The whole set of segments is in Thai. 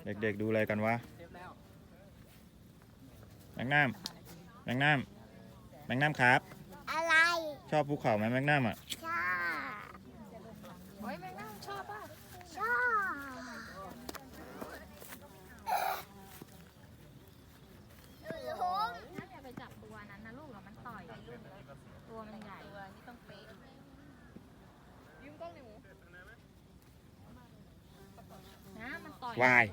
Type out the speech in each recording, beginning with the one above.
เด็กๆดูอะไรกันวะแมงน้ำแมงน้ำแมงน้ำครับอะไรชอบภูเขาไหมแมงน้ำอ่ะชอบโอ้ยแมงน้ำชอบป่ะชอบล้มถ้าจะไปจับตัวนั้นนะลูกแล้วมันต่อยตัวมันใหญ่ตัวนี้ต้องเป๊ะยืมกล้องหนูนะมันต่อยวาย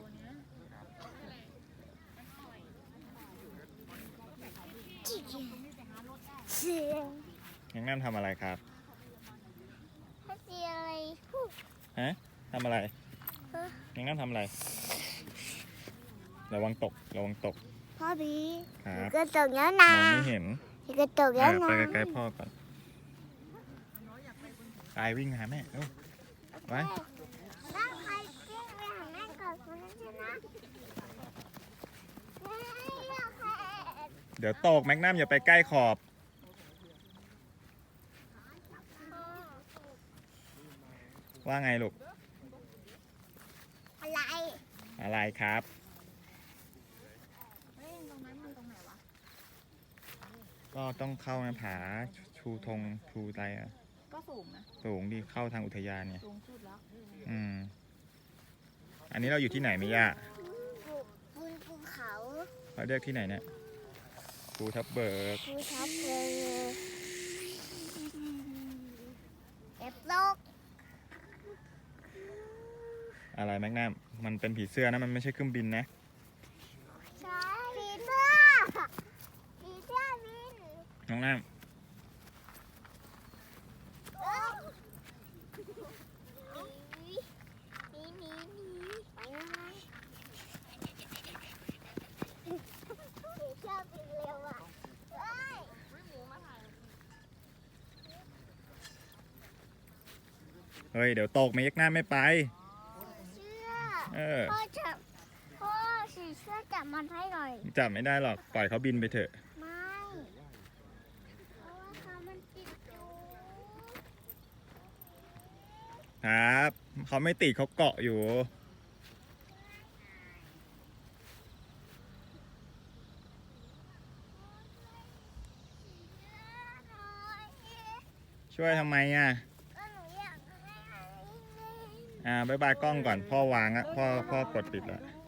เสียงแมงน้ำทำอะไรครับถ้าเสียงอะไรพูดฮะทำอะไรแมงน้ำทำอะไรระวังตกระวังตกพ่อพี่ครับกระจกแล้วมนะองไม่เห็นกระจกแล้วนะไปใกล้ๆพ่อก่อนไปวิ่งหาแม่เร็วไปแล้วใครเก่งไปหาแม่ก่อนคนนั้นชนะไม่อยากให้เดี๋ยวตกแมงน้ำอย่าไปใกล้ขอบว่าไงลูกอะไรอะไรครับเฮ้ยตรงนั้นมันตรงไหนวะก็ต้องเข้านะผาชูธงชูอะไรอ่ะก็สูงนะสูงดีเข้าทางอุทยานเนี่ยสูงสุดแล้วอันนี้เราอยู่ที่ไหนไม่ย่าบนภูเขาเราเรียกที่ไหนเนี่ยภูทับเบิกภูทับเบิกเอฟโลกอะไรแมกนัมมันเป็นผีเสื้อนะมันไม่ใช่เครื่องบินนะใช่ผีเสื้อผีเสื้อบินน้องน้หนีไปเลยผีเสื้อบินเร็วอ่ะเฮ้ยำเฮ้ยเดี๋ยวตกแมกนัมไม่ไปเสื้อเออพ่อสีเสื้อจับมันให้หน่อยจับไม่ได้หรอกปล่อยเขาบินไปเถอะไม่เพราะว่าเขามันติดอยู่ครับเขาไม่ติดเขาเกาะอยู่ ช่วยทำไมอ่ะก็หนูอยากให้อันนี้เล่นบ๊ายบายกล้องก่อนพ่อวางอ่ะพ่อกดปิดแล้วเล่น